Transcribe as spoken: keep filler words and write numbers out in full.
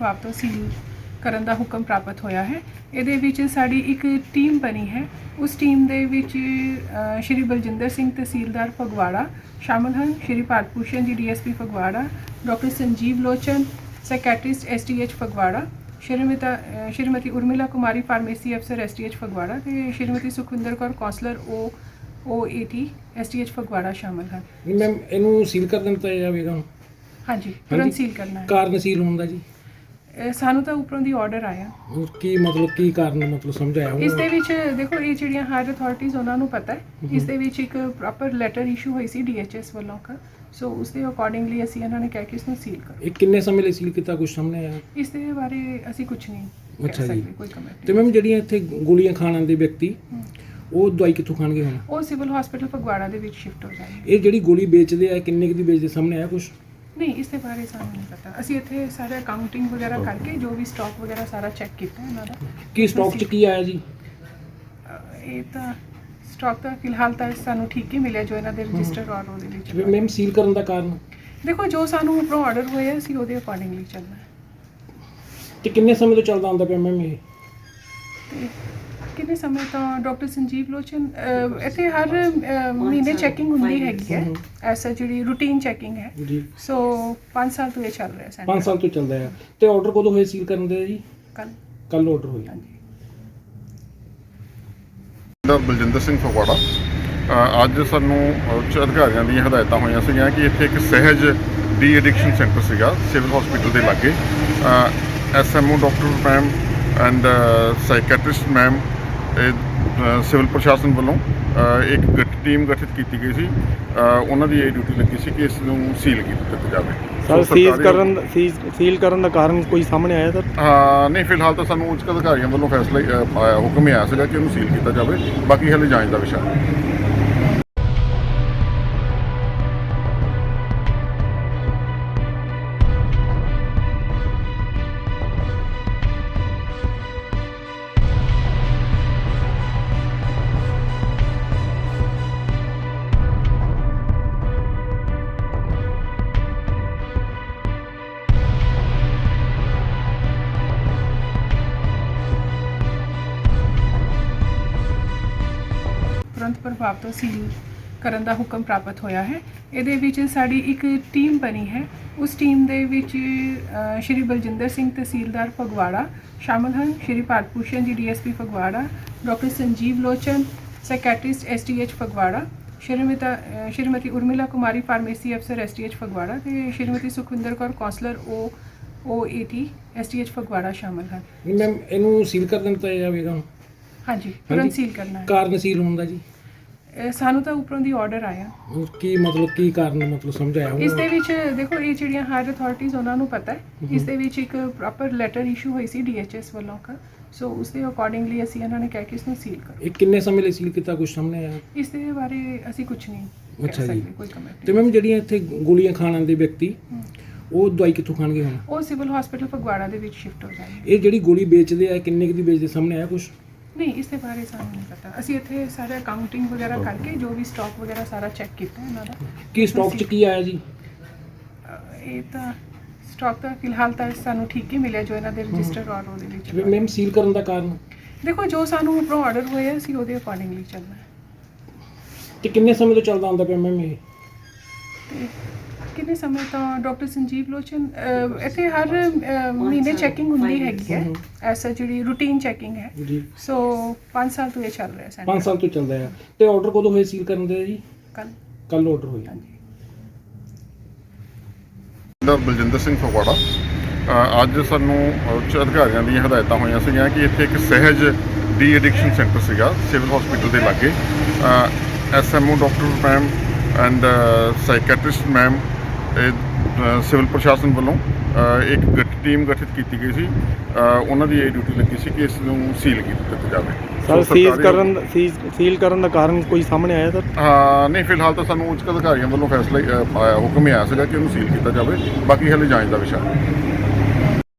ਪ੍ਰਭਾਵ ਤੋਂ ਸੀਲ ਕਰਨ ਦਾ ਹੁਕਮ ਪ੍ਰਾਪਤ ਹੋਇਆ ਹੈ। ਇਹਦੇ ਵਿੱਚ ਸਾਡੀ ਇੱਕ ਟੀਮ ਬਣੀ ਹੈ। ਉਸ ਟੀਮ ਦੇ ਵਿੱਚ ਅ, ਸ਼੍ਰੀ ਬਲਜਿੰਦਰ ਸਿੰਘ ਤਹਿਸੀਲਦਾਰ ਫਗਵਾੜਾ ਸ਼ਾਮਲ ਹਨ, ਸ਼੍ਰੀ Bharat Bhushan ji DSP Phagwara, doctor Sanjeev Lochan psychiatrist STH Phagwara, Shrimati ਅ, ਸ਼੍ਰੀਮਤੀ ਉਰਮਿਲਾ ਕੁਮਾਰੀ ਫਾਰਮੇਸੀ ਅਫਸਰ ਐਸਟੀਐਚ ਫਗਵਾੜਾ ਤੇ ਸ਼੍ਰੀਮਤੀ ਸੁਖਵਿੰਦਰ ਕੌਰ ਕੌਂਸਲਰ ਓ ਓ ਏਟੀ ਐਸਟੀਐਚ ਫਗਵਾੜਾ ਸ਼ਾਮਲ ਹਨ। ਮੈਮ ਇਹਨੂੰ ਸੀਲ ਕਰ ਦਿੱਤਾ ਜਾਵੇਗਾ ਹੁਣ? ਹਾਂਜੀ, ਤੁਰੰਤ ਸੀਲ ਕਰਨਾ ਹੈ। ਕਾਰਨ ਸੀਲ ਹੋਣ ਦਾ ਜੀ? ਇਹ ਸਾਨੂੰ ਤਾਂ ਉੱਪਰੋਂ ਦੀ ਆਰਡਰ ਆਇਆ। ਹੋਰ ਕੀ ਮਤਲਬ ਕੀ ਕਾਰਨ ਮਤਲਬ ਸਮਝਾਇਆ ਇਸ ਦੇ ਵਿੱਚ ਦੇਖੋ ਇਹ ਜਿਹੜੀਆਂ ਹਾਇਰ ਅਥਾਰਟੀਜ਼ ਉਹਨਾਂ ਨੂੰ ਪਤਾ ਹੈ। ਇਸ ਦੇ ਵਿੱਚ ਇੱਕ ਪ੍ਰੋਪਰ ਲੈਟਰ ਇਸ਼ੂ ਹੋਈ ਸੀ ਡੀਐਚਐਸ ਵੱਲੋਂ ਕਾ, ਸੋ ਉਸ ਦੇ ਅਕੋਰਡਿੰਗਲੀ ਅਸੀਂ ਇਹਨਾਂ ਨੇ ਕਹਿ ਕੇ ਇਸ ਨੂੰ ਸੀਲ ਕਰ। ਇਹ ਕਿੰਨੇ ਸਮੇਂ ਲਈ ਸੀਲ ਕੀਤਾ, ਕੁਝ ਸਾਹਮਣੇ ਆਇਆ? ਇਸ ਦੇ ਬਾਰੇ ਅਸੀਂ ਕੁਝ ਨਹੀਂ ਕਹਿ ਅੱਛਾ ਜੀ। ਸਕਦੇ, ਕੋਈ ਕਮੈਂਟ ਤੇ ਮੈਮ ਜਿਹੜੀਆਂ ਇੱਥੇ ਗੋਲੀਆਂ ਖਾਣ ਆਉਂਦੇ ਵਿਅਕਤੀ ਉਹ ਦਵਾਈ ਕਿੱਥੋਂ ਖਾਣਗੇ ਹੁਣ? ਉਹ ਸਿਵਲ ਹਸਪੀਟਲ ਫਗਵਾੜਾ ਦੇ ਵਿੱਚ ਸ਼ਿਫਟ ਹੋ ਜਾਣਗੇ। ਇਹ ਜਿਹੜੀ ਗੋਲੀ ਵੇਚਦੇ ਆ ਕਿੰਨੇ ਕੁ ਦੀ ਵੇਚਦੇ, ਸਾਹਮਣੇ ਆਇਆ ਕੁਝ? ਨਹੀਂ, ਇਸ ਦੇ ਬਾਰੇ ਸਾਨੂੰ ਨਹੀਂ ਪਤਾ। ਅਸੀਂ ਇੱਥੇ ਸਾਰੇ ਅਕਾਊਂਟਿੰਗ ਵਗੈਰਾ ਕਰਕੇ ਜੋ ਵੀ ਸਟਾਕ ਵਗੈਰਾ ਸਾਰਾ ਚੈੱਕ ਕੀਤਾ ਇਹਨਾਂ ਦਾ। ਕੀ ਸਟਾਕ 'ਚ ਕੀ ਆਇਆ ਜੀ? ਅਹ ਇਹ ਤਾਂ ਸਟਾਕ ਤਾਂ ਫਿਲਹਾਲ ਤਾਂ ਸਾਨੂੰ ਠੀਕ ਹੀ ਮਿਲਿਆ ਜੋ ਇਹਨਾਂ ਦੇ ਰਜਿਸਟਰ ਔਰ ਉਹਦੇ ਵਿੱਚ। ਮੈਮ ਸੀਲ ਕਰਨ ਦਾ ਕਾਰਨ? ਦੇਖੋ ਜੋ ਸਾਨੂੰ ਉੱਪਰੋਂ ਆਰਡਰ ਹੋਇਆ ਅਸੀਂ ਉਹਦੇ ਅਕੋਰਡਿੰਗਲੀ ਚੱਲਣਾ ਹੈ। ਤੇ ਕਿੰਨੇ ਸਮੇਂ ਤੋਂ ਚੱਲਦਾ ਆਉਂਦਾ ਪਿਆ ਮੈਮ ਇਹ? ਤੇ ਕਿੰਨੇ ਸਮੇਂ ਤੋਂ ਡਾਕਟਰ ਸੰਜੀਵ ਲੋਚਨ ਅਹ, ਇੱਥੇ ਹਰ ਅਹ, ਮਹੀਨੇ ਚੈਕਿੰਗ ਹੁੰਦੀ ਹੈਗੀ ਹੈ, ਐਸਾ ਜਿਹੜੀ ਰੂਟੀਨ ਚੈਕਿੰਗ ਹੈ। ਜੀ। ਸੋ ਪੰਜ ਸਾਲ ਤੋਂ ਇਹ ਚੱਲ ਰਿਹਾ ਸੈਂਟਰ। ਪੰਜ ਸਾਲ ਤੋਂ ਚੱਲਦਾ ਆ। ਤੇ ਆਰਡਰ ਕਦੋਂ ਹੋਏ ਸੀਲ ਕਰਨ ਦੇ ਜੀ? ਕੱਲ ਕੱਲ ਆਰਡਰ ਹੋਇਆ। ਹਾਂਜੀ। ਦਾ ਬਲਜਿੰਦਰ ਸਿੰਘ ਫਗਵਾੜਾ। ਅ, ਅੱਜ ਸਾਨੂੰ ਉੱਚ ਅਧਿਕਾਰੀਆਂ ਦੀਆਂ ਹਦਾਇਤਾਂ ਹੋਈਆਂ ਸੀਗੀਆਂ ਕਿ ਇੱਥੇ ਇੱਕ ਸਹਿਜ ਡੀ ਐਡਿਕਸ਼ਨ ਸੈਂਟਰ ਸੀਗਾ ਸਿਵਲ ਹਸਪੀਟਲ ਦੇ ਲਾਗੇ। SMO doctor ma'am and psychiatrist ma'am civil ਪ੍ਰਸ਼ਾਸਨ ਵੱਲੋਂ ਅ, ਇੱਕ ਗਠ ਟੀਮ ਗਠਿਤ ਕੀਤੀ ਗਈ ਸੀ। ਅ, ਉਹਨਾਂ ਦੀ ਇਹ ਡਿਊਟੀ ਲੱਗੀ ਸੀ ਕਿ ਇਸ ਨੂੰ ਸੀਲ ਕੀਤਾ ਜਾਵੇ। ਸਰ ਸੋ ਸੀਜ਼ ਸਰਕਾਰੀ- ਕਰਨ ਸੀਜ਼ ਸੀਲ ਕਰਨ ਦਾ ਕਾਰਨ ਕੋਈ ਸਾਹਮਣੇ ਆਇਆ ਸਰ? ਹਾਂ, ਨਹੀਂ ਫਿਲਹਾਲ ਤਾਂ ਸਾਨੂੰ ਉੱਚ ਅਧਿਕਾਰੀਆਂ ਵੱਲੋਂ ਫੈਸਲਾ ਹੀ, ਅ, ਆਇਆ ਹੁਕਮ ਹੀ ਆਇਆ ਸੀਗਾ ਕਿ ਉਹਨੂੰ ਸੀਲ ਕੀਤਾ ਜਾਵੇ। ਬਾਕੀ ਹਾਲੇ ਜਾਂਚ ਦਾ ਵਿਸ਼ਾ ਹੈ। ਤੁਰੰਤ ਪ੍ਰਭਾਵ ਤੋਂ ਸੀਲ ਕਰਨ ਦਾ ਹੁਕਮ ਪ੍ਰਾਪਤ ਹੋਇਆ ਹੈ। ਇਹਦੇ ਵਿੱਚ ਸਾਡੀ ਇੱਕ ਟੀਮ ਬਣੀ ਹੈ। ਉਸ ਟੀਮ ਦੇ ਵਿੱਚ ਅ, ਸ਼੍ਰੀ ਬਲਜਿੰਦਰ ਸਿੰਘ ਤਹਿਸੀਲਦਾਰ ਫਗਵਾੜਾ ਸ਼ਾਮਲ ਹਨ, ਸ਼੍ਰੀ Bharat Bhushan ji DSP Phagwara, doctor Sanjeev Lochan psychiatrist STH Phagwara, Shrimati ਅ, ਸ਼੍ਰੀਮਤੀ ਉਰਮਿਲਾ ਕੁਮਾਰੀ ਫਾਰਮੇਸੀ ਅਫਸਰ ਐਸਟੀਐਚ ਫਗਵਾੜਾ ਤੇ ਸ਼੍ਰੀਮਤੀ ਸੁਖਵਿੰਦਰ ਕੌਰ ਕੌਂਸਲਰ ਓ ਓ ਏਟੀ ਐਸਟੀਐਚ ਫਗਵਾੜਾ ਸ਼ਾਮਲ ਹਨ। ਮੈਮ ਇਹਨੂੰ ਸੀਲ ਕਰ ਦਿੱਤਾ ਜਾਵੇਗਾ ਹੁਣ? ਹਾਂਜੀ, ਤੁਰੰਤ ਸੀਲ ਕਰਨਾ ਹੈ। ਕਾਰਨ ਸੀਲ ਹੋਣ ਦਾ ਜੀ? ਇਹ ਸਾਨੂੰ ਤਾਂ ਉੱਪਰੋਂ ਦੀ ਆਰਡਰ ਆਇਆ। ਹੋਰ ਕੀ ਮਤਲਬ ਕੀ ਕਾਰਨ ਮਤਲਬ ਸਮਝਾਇਆ ਇਸ ਦੇ ਵਿੱਚ ਦੇਖੋ ਇਹ ਜਿਹੜੀਆਂ ਹਾਇਰ ਅਥਾਰਟੀਜ਼ ਉਹਨਾਂ ਨੂੰ ਪਤਾ ਹੈ। ਇਸ ਦੇ ਵਿੱਚ ਇੱਕ ਪ੍ਰੋਪਰ ਲੈਟਰ ਇਸ਼ੂ ਹੋਈ ਸੀ ਡੀਐਚਐਸ ਵੱਲੋਂ ਕਾ, ਸੋ ਉਸ ਦੇ ਅਕੋਰਡਿੰਗਲੀ ਅਸੀਂ ਇਹਨਾਂ ਨੇ ਕਹਿ ਕੇ ਇਸ ਨੂੰ ਸੀਲ ਕਰ। ਇਹ ਕਿੰਨੇ ਸਮੇਂ ਲਈ ਸੀਲ ਕੀਤਾ, ਕੁਝ ਸਾਹਮਣੇ ਆਇਆ? ਇਸ ਦੇ ਬਾਰੇ ਅਸੀਂ ਕੁਝ ਨਹੀਂ ਕਹਿ ਅੱਛਾ ਜੀ। ਸਕਦੇ, ਕੋਈ ਕਮੈਂਟ ਤੇ ਮੈਮ ਜਿਹੜੀਆਂ ਇੱਥੇ ਗੋਲੀਆਂ ਖਾਣ ਆਉਂਦੇ ਵਿਅਕਤੀ ਉਹ ਦਵਾਈ ਕਿੱਥੋਂ ਖਾਣਗੇ ਹੁਣ? ਉਹ ਸਿਵਲ ਹਸਪੀਟਲ ਫਗਵਾੜਾ ਦੇ ਵਿੱਚ ਸ਼ਿਫਟ ਹੋ ਜਾਣਗੇ। ਇਹ ਜਿਹੜੀ ਗੋਲੀ ਵੇਚਦੇ ਆ ਕਿੰਨੇ ਕੁ ਦੀ ਵੇਚਦੇ, ਸਾਹਮਣੇ ਆਇਆ ਕੁਝ? ਨਹੀਂ, ਇਸ ਦੇ ਬਾਰੇ ਸਾਨੂੰ ਨਹੀਂ ਪਤਾ। ਅਸੀਂ ਇੱਥੇ ਸਾਰੇ ਅਕਾਊਂਟਿੰਗ ਵਗੈਰਾ ਕਰਕੇ ਜੋ ਵੀ ਸਟਾਕ ਵਗੈਰਾ ਸਾਰਾ ਚੈੱਕ ਕੀਤਾ ਇਹਨਾਂ ਦਾ। ਕੀ ਸਟਾਕ 'ਚ ਕੀ ਆਇਆ ਜੀ? ਅਹ, ਇਹ ਤਾਂ ਸਟਾਕ ਤਾਂ ਫਿਲਹਾਲ ਤਾਂ ਸਾਨੂੰ ਠੀਕ ਹੀ ਮਿਲਿਆ ਜੋ ਇਹਨਾਂ ਦੇ ਰਜਿਸਟਰ ਔਰ ਉਹਦੇ ਵਿੱਚ। ਮੈਮ ਸੀਲ ਕਰਨ ਦਾ ਕਾਰਨ? ਦੇਖੋ ਜੋ ਸਾਨੂੰ ਉੱਪਰੋਂ ਆਰਡਰ ਹੋਇਆ ਅਸੀਂ ਉਹਦੇ ਅਕੋਰਡਿੰਗਲੀ ਚੱਲਣਾ ਹੈ। ਤੇ ਕਿੰਨੇ ਸਮੇਂ ਤੋਂ ਚੱਲਦਾ ਆਉਂਦਾ ਪਿਆ ਮੈਮ ਇਹ? ਤੇ ਕਿੰਨੇ ਸਮੇਂ ਤੋਂ ਡਾਕਟਰ ਸੰਜੀਵ ਲੋਚਨ ਅਹ, ਇੱਥੇ ਹਰ ਅਹ, ਮਹੀਨੇ ਚੈਕਿੰਗ ਹੁੰਦੀ ਹੈਗੀ ਹੈ, ਐਸਾ ਜਿਹੜੀ ਰੂਟੀਨ ਚੈਕਿੰਗ ਹੈ। ਜੀ। ਸੋ ਪੰਜ ਸਾਲ ਤੋਂ ਇਹ ਚੱਲ ਰਿਹਾ ਸੈਂਟਰ। ਪੰਜ ਸਾਲ ਤੋਂ ਚੱਲਦਾ ਆ। ਤੇ ਆਰਡਰ ਕਦੋਂ ਹੋਏ ਸੀਲ ਕਰਨ ਦੇ ਜੀ? ਕੱਲ ਕੱਲ ਆਰਡਰ ਹੋਇਆ। ਹਾਂਜੀ। ਦਾ ਬਲਜਿੰਦਰ ਸਿੰਘ ਫਗਵਾੜਾ। ਅ, ਅੱਜ ਸਾਨੂੰ ਉੱਚ ਅਧਿਕਾਰੀਆਂ ਦੀਆਂ ਹਦਾਇਤਾਂ ਹੋਈਆਂ ਸੀਗੀਆਂ ਕਿ ਇੱਥੇ ਇੱਕ ਸਹਿਜ ਡੀ ਐਡਿਕਸ਼ਨ ਸੈਂਟਰ ਸੀਗਾ ਸਿਵਲ ਹਸਪੀਟਲ ਦੇ ਲਾਗੇ। SMO doctor ma'am and psychiatrist ma'am civil ਪ੍ਰਸ਼ਾਸਨ ਵੱਲੋਂ ਅ, ਇੱਕ ਗਠ ਟੀਮ ਗਠਿਤ ਕੀਤੀ ਗਈ ਸੀ। ਅ, ਉਹਨਾਂ ਦੀ ਇਹ ਡਿਊਟੀ ਲੱਗੀ ਸੀ ਕਿ ਇਸ ਨੂੰ ਸੀਲ ਕੀਤਾ ਜਾਵੇ। ਸਰ ਸੋ ਸੀਜ਼ ਸਰਕਾਰੀ- ਕਰਨ ਸੀਜ਼ ਸੀਲ ਕਰਨ ਦਾ ਕਾਰਨ ਕੋਈ ਸਾਹਮਣੇ ਆਇਆ ਸਰ? ਹਾਂ, ਨਹੀਂ ਫਿਲਹਾਲ ਤਾਂ ਸਾਨੂੰ ਉੱਚ ਅਧਿਕਾਰੀਆਂ ਵੱਲੋਂ ਫੈਸਲਾ ਹੀ, ਅ, ਆਇਆ ਹੁਕਮ ਹੀ ਆਇਆ ਸੀਗਾ ਕਿ ਉਹਨੂੰ ਸੀਲ ਕੀਤਾ ਜਾਵੇ। ਬਾਕੀ ਹਾਲੇ ਜਾਂਚ ਦਾ ਵਿਸ਼ਾ ਹੈ।